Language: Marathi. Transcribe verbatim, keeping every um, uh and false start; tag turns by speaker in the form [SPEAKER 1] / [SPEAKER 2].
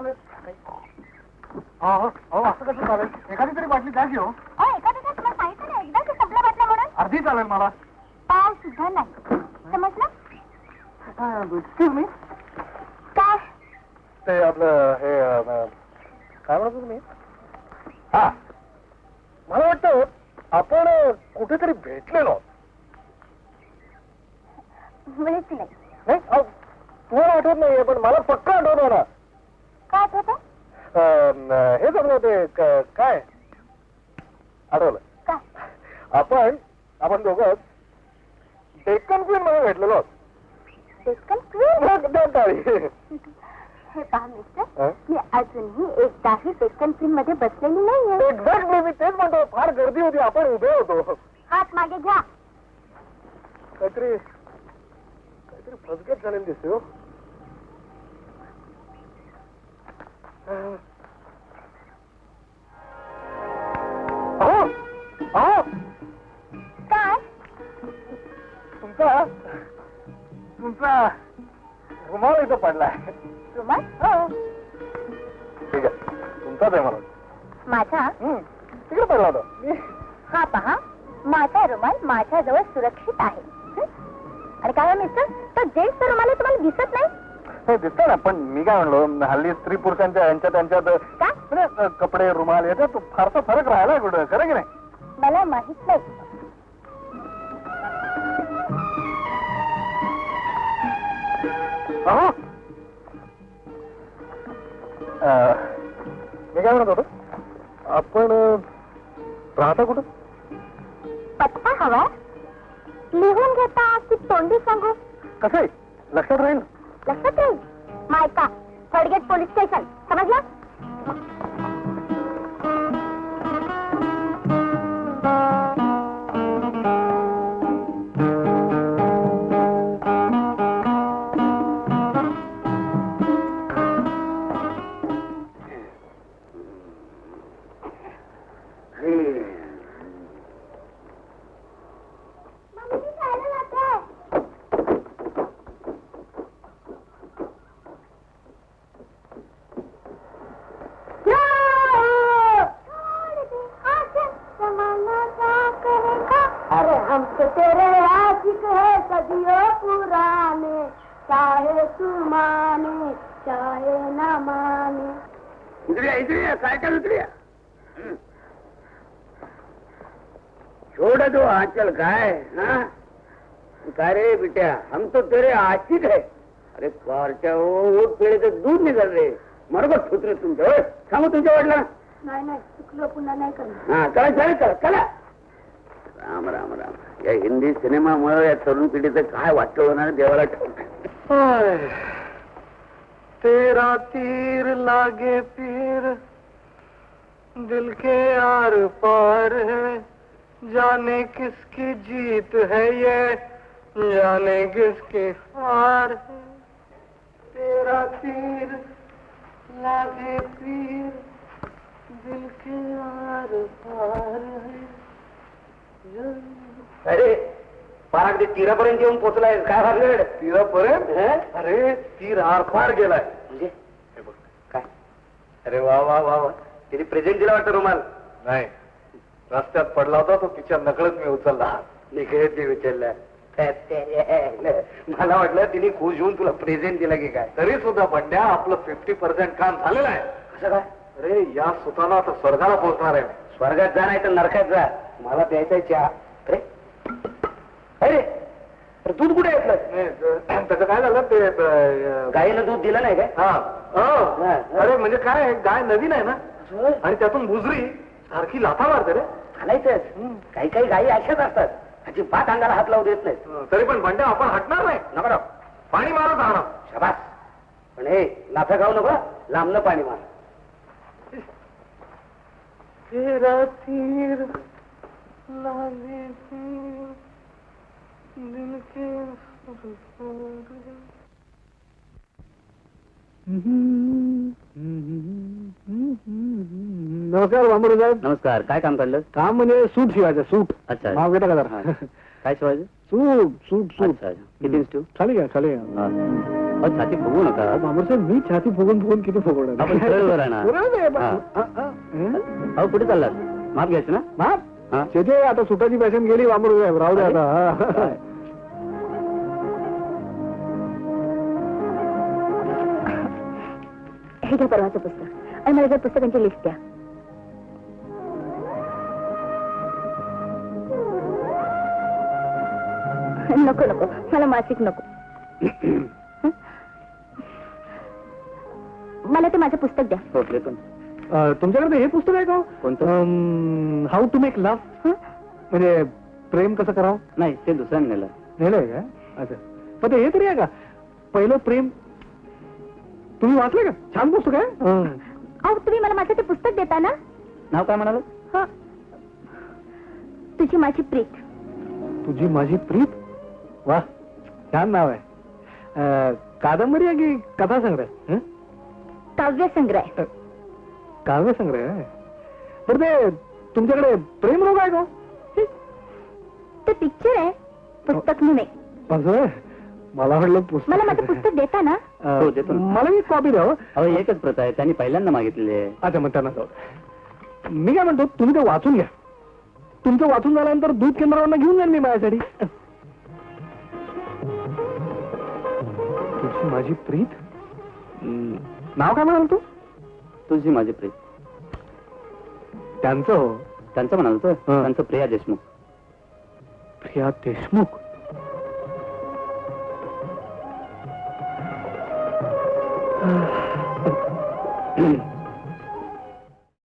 [SPEAKER 1] असं कसं चालेल? एखादी तरी बाटली द्या घेऊ.
[SPEAKER 2] एखादी तुम्हाला सांगितलं ना एकदा की संपला बाटल्या म्हणून.
[SPEAKER 1] अर्धी चालेल मला.
[SPEAKER 2] पाव सुद्धा नाही समजलं.
[SPEAKER 1] Excuse me.
[SPEAKER 2] काय
[SPEAKER 1] ते आपलं हे काय म्हणतो तुम्ही? हा मला वाटतं आपण कुठेतरी भेटलेलो.
[SPEAKER 2] मुळीच नाही.
[SPEAKER 1] नाही तुम्हाला आठवत नाहीये पण मला पक्का आठवत ना.
[SPEAKER 2] काय आठवतं?
[SPEAKER 1] हे जमलं ते काय आठवलं
[SPEAKER 2] काय?
[SPEAKER 1] आपण आपण दोघं डेक्कन क्वीन मध्ये भेटलेलो.
[SPEAKER 2] डेक्कन क्वीन?
[SPEAKER 1] हे
[SPEAKER 2] हे पहा मिस्टर, मी अजूनही एकदाही डेक्कन क्वीन मध्ये बसलेली नाहीये.
[SPEAKER 1] एक्झॅक्टली मी तेच म्हणतो. फार गर्दी होती, आपण उभे होतो.
[SPEAKER 2] हात मागे घ्या.
[SPEAKER 1] काहीतरी काहीतरी फसगत झालेली दिसते हो. अहो अहो
[SPEAKER 2] काय
[SPEAKER 1] तुमचा तुमचा रुमाल इथं पडलाय.
[SPEAKER 2] रुमाल?
[SPEAKER 1] हो ठीक आहे, तुमचाच आहे मला.
[SPEAKER 2] माझा?
[SPEAKER 1] तिकडे पडला होता.
[SPEAKER 2] हा पहा, माझा रुमाल माझ्याजवळ सुरक्षित आहे. आणि काय मिस्टर, तो जेंट्सचा रुमाल आहे तुम्हाला दिसत नाही?
[SPEAKER 1] हे दिसतं ना, पण मी काय म्हणलो हल्ली स्त्री पुरुषांच्या यांच्या त्यांच्यात म्हणजे कपडे रुमाल याच्यात फारसा फरक राहिला कुठं, खरं की नाही?
[SPEAKER 2] मला माहित नाही.
[SPEAKER 1] अहो मी काय म्हणत होतो, आपण राहता कुठं?
[SPEAKER 2] पत्ता हवा लिहून घेता की तोंडी सांगू?
[SPEAKER 1] कसं आहे लक्षात राहील?
[SPEAKER 2] लक्षात राहील. मायका थर्डगेट पोलीस स्टेशन, समजलं?
[SPEAKER 3] साइकिल उतरिया छोड़ दो आंचल काय. हाँ काय रे बिटिया, हम तो तेरे आशिक है. अरे कारच्या ओट पेळे तर दूध निघाल रे. मरगत सुधरे तुमच्या. सांगू तुमच्या वाटला
[SPEAKER 2] नाही नाही चुकलो, पुन्हा नाही करणार.
[SPEAKER 3] हा चला चला चला चला. राम राम राम. या हिंदी सिनेमामुळे या तरुण पिढीचं काय वाटतं होणार देवाला ठाऊक.
[SPEAKER 1] तेरा तीर लागे पीर दिल के आर पार है, जाने किसकी जीत है ये, जाने किसकी हार है. तेरा तीर लागे पीर दिल के आर पार है.
[SPEAKER 3] अरे पार अगदी तीरापर्यंत येऊन पोचलाय. काय भानगड?
[SPEAKER 1] तीरापर्यंत? अरे तीर आर पार गेलाय.
[SPEAKER 3] म्हणजे हे बघ काय. अरे वा वा वा वा. तिने प्रेझेंट दिला वाटतं रुमाल?
[SPEAKER 1] नाही, रस्त्यात पडला होता तो, तिच्या नकळत मी उचलला.
[SPEAKER 3] निघत उचलला. मला वाटलं तिने खुश होऊन तुला प्रेझेंट दिला की काय.
[SPEAKER 1] तरी सुद्धा बंड्या आपलं फिफ्टी पर्सेंट काम झालेलं आहे.
[SPEAKER 3] कसं काय?
[SPEAKER 1] अरे या सुताला आता स्वर्गाला पोहोचणार आहे.
[SPEAKER 3] स्वर्गात जा नाही तर नरकात जा. मला प्यायचा चहा. अरे अरे दूध कुठे घेतलं?
[SPEAKER 1] त्याचं काय झालं ते
[SPEAKER 3] गाईनं दूध दिलं नाही काय?
[SPEAKER 1] हा. अरे म्हणजे काय, गाय नवीन आहे ना आणि त्यातून बुजरी सारखी लाथा मारते रे.
[SPEAKER 3] घालायचंच. काही काही गायी अशाच असतात, अजिबात अंगाला हात लावू देत नाही.
[SPEAKER 1] तरी पण बंड्या आपण हटणार नाही.
[SPEAKER 3] नको
[SPEAKER 1] पाणी मारत राहणार.
[SPEAKER 3] शाबास. पण हे लाथा खाऊ नको, लांबनं पाणी मार.
[SPEAKER 1] तेरा तीर लागे पीर दिल के नमस्कार बांबरू साहेब.
[SPEAKER 3] नमस्कार. काय काम काढलं?
[SPEAKER 1] काम म्हणजे सूट शिवायचं. सूट.
[SPEAKER 3] अच्छा.
[SPEAKER 1] नाव घेता का जरा?
[SPEAKER 3] काय शिवायचं?
[SPEAKER 1] सूट सूट सूट.
[SPEAKER 3] किती
[SPEAKER 1] चालेल का? चालेल.
[SPEAKER 3] अहो, छाती फुगू नका
[SPEAKER 1] बाबूसाहेब मी छाती फुगून फुगून किती फुगवणार
[SPEAKER 3] आपण सरळवर आहे ना.
[SPEAKER 1] बरोबर आहे, बा-
[SPEAKER 3] हा.
[SPEAKER 1] हा, हा. हं?
[SPEAKER 3] अहो कुठे चाललात? माप घ्यायचं ना.
[SPEAKER 1] माप
[SPEAKER 3] हा.
[SPEAKER 1] शेते आता सुटाची पॅशन गेली बाबूराव साहेब, राहू दे आता हा.
[SPEAKER 3] काय?
[SPEAKER 2] हे घ्या परवाचं पुस्तक आणि मला जर पुस्तकांची लिस्ट द्या. नको नको मला मासिक नको. मला ते माझं पुस्तक द्या.
[SPEAKER 3] हो देतो.
[SPEAKER 1] अं, तुमच्याकडे हे पुस्तक आहे का
[SPEAKER 3] कोणतं?
[SPEAKER 1] हाऊ टू मेक लव्ह, म्हणजे प्रेम कसं करावं?
[SPEAKER 3] नाही ते दुसऱ्याने नेलं.
[SPEAKER 1] नेलंय का? अच्छा, पण ते हे तरी आहे का पहिलं प्रेम? तुम्ही वाचलं का? छान पुस्तक आहे. हं.
[SPEAKER 2] अहो तुम्ही मला माझं ते पुस्तक देता ना?
[SPEAKER 3] नाव काय म्हणाल?
[SPEAKER 2] हं. तुझी माझी प्रीत.
[SPEAKER 1] तुझी माझी प्रीत, वा छान नाव आहे. अं, कादंबरी आहे की कथा संग्रह? हं?
[SPEAKER 2] काव्य संग्रह.
[SPEAKER 1] अं, काव्य संग्रह आहे. तर ते तुमच्याकडे प्रेम रोग आहे का?
[SPEAKER 2] ते पिक्चर आहे, पुस्तक नाही.
[SPEAKER 1] असं आहे? मला वाटलं पुस्तक.
[SPEAKER 2] मला माझं पुस्तक देता ना?
[SPEAKER 1] अं,
[SPEAKER 3] हो, देतो ना.
[SPEAKER 1] मला एक कॉपी द्यावं.
[SPEAKER 3] अहो एकच प्रथा आहे, त्यांनी पहिल्यांदा मागितलेली आहे.
[SPEAKER 1] अच्छा, मग त्यांना जाऊ दे. मी काय म्हणतो, तुम्ही ते वाचून घ्या. तुमचं वाचून झाल्यानंतर दूध केंद्रावर घेऊन जाईल मी माझ्यासाठी. तुझी माझी प्रीत, हं, नाव काय म्हणाल तू?
[SPEAKER 3] तुझी माझी प्रिय.
[SPEAKER 1] त्यांचं हो,
[SPEAKER 3] त्यांचं म्हणाल तर
[SPEAKER 1] हं.
[SPEAKER 3] त्यांचं प्रिया देशमुख.
[SPEAKER 1] प्रिया देशमुख. आह.